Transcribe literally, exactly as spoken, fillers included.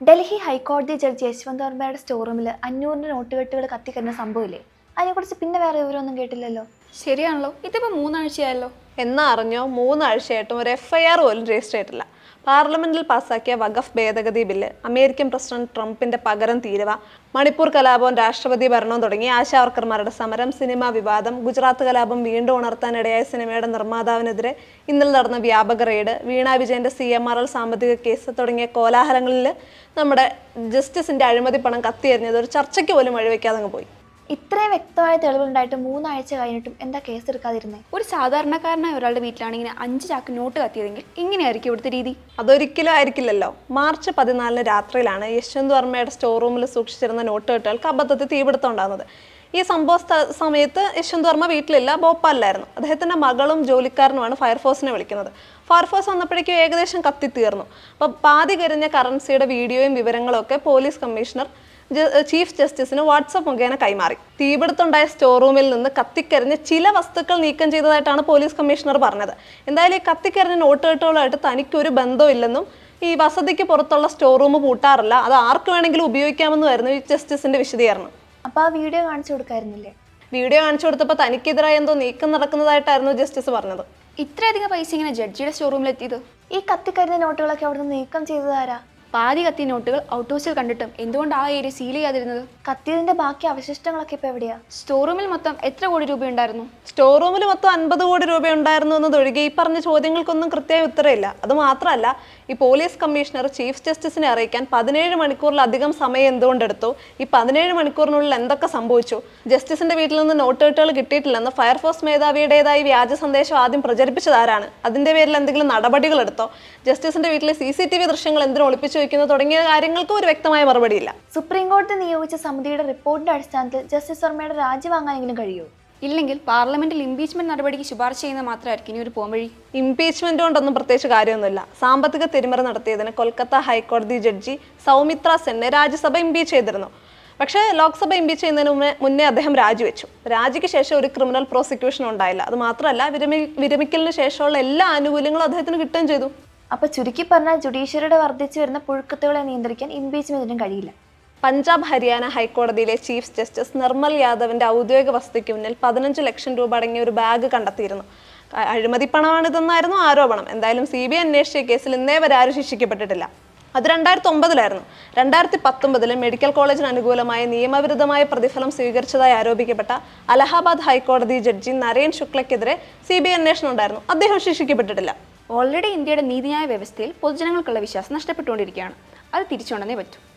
ഡൽഹി ഹൈക്കോടതി judge Yashwant വർമ്മയുടെ store റൂമിൽ അഞ്ഞൂറിൻ്റെ നോട്ടുകെട്ടുകൾ കത്തിക്കുന്ന സംഭവമില്ലേ? അതിനെക്കുറിച്ച് പിന്നെ വേറെ വിവരമൊന്നും കേട്ടില്ലല്ലോ. ശരിയാണല്ലോ, ഇതിപ്പോൾ മൂന്നാഴ്ചയായല്ലോ. എന്നാ അറിഞ്ഞോ, മൂന്നാഴ്ചയായിട്ടും ഒരു എഫ് ഐ ആർ പോലും രജിസ്റ്റർ ചെയ്തിട്ടില്ല. പാർലമെന്റിൽ പാസാക്കിയ വഖഫ് ഭേദഗതി ബില്ല്, അമേരിക്കൻ പ്രസിഡന്റ് ട്രംപിന്റെ പകരം തീരുവ, മണിപ്പൂർ കലാപവും രാഷ്ട്രപതി ഭരണവും തുടങ്ങി ആശാവർക്കർമാരുടെ സമരം, സിനിമാ വിവാദം, ഗുജറാത്ത് കലാപം വീണ്ടും ഉണർത്താനിടയായ സിനിമയുടെ നിർമ്മാതാവിനെതിരെ ഇന്നലെ നടന്ന വ്യാപക റെയ്ഡ്, വീണ വിജയന്റെ സി എം ആർ എൽ സാമ്പത്തിക കേസ് തുടങ്ങിയ കോലാഹലങ്ങളിൽ നമ്മുടെ ജസ്റ്റിസിന്റെ അഴിമതി പണം കത്തിയെറിഞ്ഞത് ഒരു ചർച്ചയ്ക്ക് പോലും വഴിവെക്കാതെ അങ്ങ് പോയി. ഇത്രയും വ്യക്തമായ തെളിവുണ്ടായിട്ട് മൂന്നാഴ്ച കഴിഞ്ഞിട്ടും എന്താ കേസ് എടുക്കാതിരുന്നേ? ഒരു സാധാരണക്കാരനായ ഒരാളുടെ വീട്ടിലാണ് ഇങ്ങനെ അഞ്ച് ചാക്ക് നോട്ട് കത്തിയതെങ്കിൽ ഇങ്ങനെയായിരിക്കും ഇവിടുത്തെ രീതി. അതൊരിക്കലും ആയിരിക്കില്ലല്ലോ. മാർച്ച് പതിനാലിന് രാത്രിയിലാണ് യശ്വന്ത് വർമ്മയുടെ സ്റ്റോർ റൂമിൽ സൂക്ഷിച്ചിരുന്ന നോട്ട് കെട്ടുകൾക്ക് അബദ്ധത്തിൽ തീപിടുത്തം ഉണ്ടാകുന്നത്. ഈ സംഭവ സമയത്ത് യശ്വന്ത് വർമ്മ വീട്ടിലില്ല, ഭോപ്പാലിലായിരുന്നു. അദ്ദേഹത്തിൻ്റെ മകളും ജോലിക്കാരനുമാണ് ഫയർഫോഴ്സിനെ വിളിക്കുന്നത്. ഫയർഫോഴ്സ് വന്നപ്പോഴേക്കും ഏകദേശം കത്തിത്തീർന്നു. അപ്പോൾ പാതി കരിഞ്ഞ കറൻസിയുടെ വീഡിയോയും വിവരങ്ങളും ഒക്കെ പോലീസ് കമ്മീഷണർ ചീഫ് ജസ്റ്റിസിന് വാട്സപ്പ് മുഖേന കൈമാറി. തീപിടുത്തുണ്ടായ സ്റ്റോർ റൂമിൽ നിന്ന് കത്തിക്കരിഞ്ഞ് ചില വസ്തുക്കൾ നീക്കം ചെയ്തതായിട്ടാണ് പോലീസ് കമ്മീഷണർ പറഞ്ഞത്. എന്തായാലും ഈ കത്തിക്കരിഞ്ഞ നോട്ടുകെട്ടുകളായിട്ട് തനിക്കൊരു ബന്ധമില്ലെന്നും ഈ വസതിക്ക് പുറത്തുള്ള സ്റ്റോർ റൂം പൂട്ടാറില്ല, അത് ആർക്ക് വേണമെങ്കിലും ഉപയോഗിക്കാമെന്നുമായിരുന്നു ഈ ജസ്റ്റിസിന്റെ വിശദീകരണം. അപ്പോൾ ആ വീഡിയോ കാണിച്ചു കൊടുക്കായിരുന്നില്ലേ? വീഡിയോ കാണിച്ചു കൊടുത്തപ്പോൾ തനിക്കെതിരായ എന്തോ നീക്കം നടക്കുന്നതായിട്ടായിരുന്നു ജസ്റ്റിസ് പറഞ്ഞത്. ഇത്രയധികം പൈസ ഇങ്ങനെ ജഡ്ജിയുടെ സ്റ്റോർ റൂമിൽ എത്തിയത്? ഈ കത്തിക്കരിഞ്ഞ നോട്ടുകളൊക്കെ അവിടുന്ന് നീക്കം ചെയ്തതാരാ? പാതി കത്തി നോട്ടുകൾ ഔട്ട് ഹൗസിൽ കണ്ടിട്ടും എന്തുകൊണ്ട് ആ ഏരിയ സീൽ ചെയ്യാതിരുന്നത്? കത്തിയതിന്റെ ബാക്കി അവശിഷ്ടങ്ങളൊക്കെ ഇപ്പൊ എവിടെയാ? സ്റ്റോർ റൂമിൽ മൊത്തം എത്ര കോടി രൂപ ഉണ്ടായിരുന്നു? സ്റ്റോർ റൂമിൽ മൊത്തം അൻപത് കോടി രൂപ ഉണ്ടായിരുന്നു എന്നതൊഴികെ ഈ പറഞ്ഞ ചോദ്യങ്ങൾക്കൊന്നും കൃത്യമായ ഉത്തരമില്ല. അത് മാത്രമല്ല, ഈ പോലീസ് കമ്മീഷണർ ചീഫ് ജസ്റ്റിസിനെ അറിയിക്കാൻ പതിനേഴ് മണിക്കൂറിലധികം സമയം എന്തുകൊണ്ടെടുത്തു? ഈ പതിനേഴ് മണിക്കൂറിനുള്ളിൽ എന്തൊക്കെ സംഭവിച്ചു? ജസ്റ്റിസിന്റെ വീട്ടിൽ നിന്ന് നോട്ടുകെട്ടുകൾ കിട്ടിയിട്ടില്ലെന്ന് ഫയർഫോഴ്സ് മേധാവിയുടേതായി വ്യാജ സന്ദേശം ആദ്യം പ്രചരിപ്പിച്ചതാരാണ്? അതിന്റെ പേരിൽ എന്തെങ്കിലും നടപടികൾ എടുത്തോ? ജസ്റ്റിസിന്റെ വീട്ടിലെ സി സി ടി വി ദൃശ്യങ്ങൾ എന്തിനു ഒളിപ്പിച്ചു വെക്കുന്നു തുടങ്ങിയ കാര്യങ്ങൾക്ക് ഒരു വ്യക്തമായ മറുപടിയില്ല. സുപ്രീം കോടതി നിയോഗിച്ച സമിതിയുടെ റിപ്പോർട്ടിന്റെ അടിസ്ഥാനത്തിൽ ജസ്റ്റിസ് വർമ്മയുടെ രാജി വാങ്ങാനെങ്കിലും കഴിയുമോ? ഇല്ലെങ്കിൽ പാർലമെന്റിൽ ഇംപീച്ച്മെന്റ് നടപടിക്ക് ശുപാർശ ചെയ്യുന്ന മാത്രമായിരിക്കും ഇനി ഒരു പോംവഴി. ഇംപീച്ച്മെന്റ് കൊണ്ടൊന്നും പ്രത്യേകിച്ച് കാര്യമൊന്നുമില്ല. സാമ്പത്തിക തിരിമറി നടത്തിയതിന് കൊൽക്കത്ത ഹൈക്കോടതി ജഡ്ജി സൗമിത്ര സെന്നെ രാജ്യസഭ ഇംപീച്ച് ചെയ്തിരുന്നു. പക്ഷേ ലോക്സഭ ഇംപീച്ച് ചെയ്യുന്നതിന് മുന്നേ മുന്നേ അദ്ദേഹം രാജിവെച്ചു. രാജിക്ക് ശേഷം ഒരു ക്രിമിനൽ പ്രോസിക്യൂഷൻ ഉണ്ടായില്ല. അത് മാത്രമല്ല, വിരമി വിരമിക്കലിന് ശേഷമുള്ള എല്ലാ ആനുകൂല്യങ്ങളും അദ്ദേഹത്തിന് കിട്ടുകയും ചെയ്തു. അപ്പൊ ചുരുക്കി പറഞ്ഞാൽ ജുഡീഷ്യറിയുടെ വർദ്ധിച്ചു വരുന്ന പുഴുക്കത്തുകളെ നിയന്ത്രിക്കാൻ ഇംപീച്ച്മെന്റിനും കഴിയില്ല. പഞ്ചാബ് ഹരിയാന ഹൈക്കോടതിയിലെ ചീഫ് ജസ്റ്റിസ് നിർമ്മൽ യാദവിന്റെ ഔദ്യോഗിക വസതിക്ക് മുന്നിൽ പതിനഞ്ച് ലക്ഷം രൂപ അടങ്ങിയ ഒരു ബാഗ് കണ്ടെത്തിയിരുന്നു. അഴിമതി പണമാണിതെന്നായിരുന്നു ആരോപണം. എന്തായാലും സി ബി ഐ അന്വേഷിച്ച കേസിൽ ഇന്നേ വരെ ആരും ശിക്ഷിക്കപ്പെട്ടിട്ടില്ല. അത് രണ്ടായിരത്തി ഒമ്പതിലായിരുന്നു. രണ്ടായിരത്തി പത്തൊമ്പതില് മെഡിക്കൽ കോളേജിന് അനുകൂലമായ നിയമവിരുദ്ധമായ പ്രതിഫലം സ്വീകരിച്ചതായി ആരോപിക്കപ്പെട്ട അലഹാബാദ് ഹൈക്കോടതി ജഡ്ജി നരേൻ ശുക്ലയ്ക്കെതിരെ സി ബി ഐ അന്വേഷണം ഉണ്ടായിരുന്നു. അദ്ദേഹം ശിക്ഷിക്കപ്പെട്ടിട്ടില്ല. ഓൾറെഡി ഇന്ത്യയുടെ നീതിന്യായ വ്യവസ്ഥയിൽ പൊതുജനങ്ങൾക്കുള്ള വിശ്വാസം നഷ്ടപ്പെട്ടുകൊണ്ടിരിക്കുകയാണ്. അത് തിരിച്ചുകൊണ്ടേ പറ്റൂ.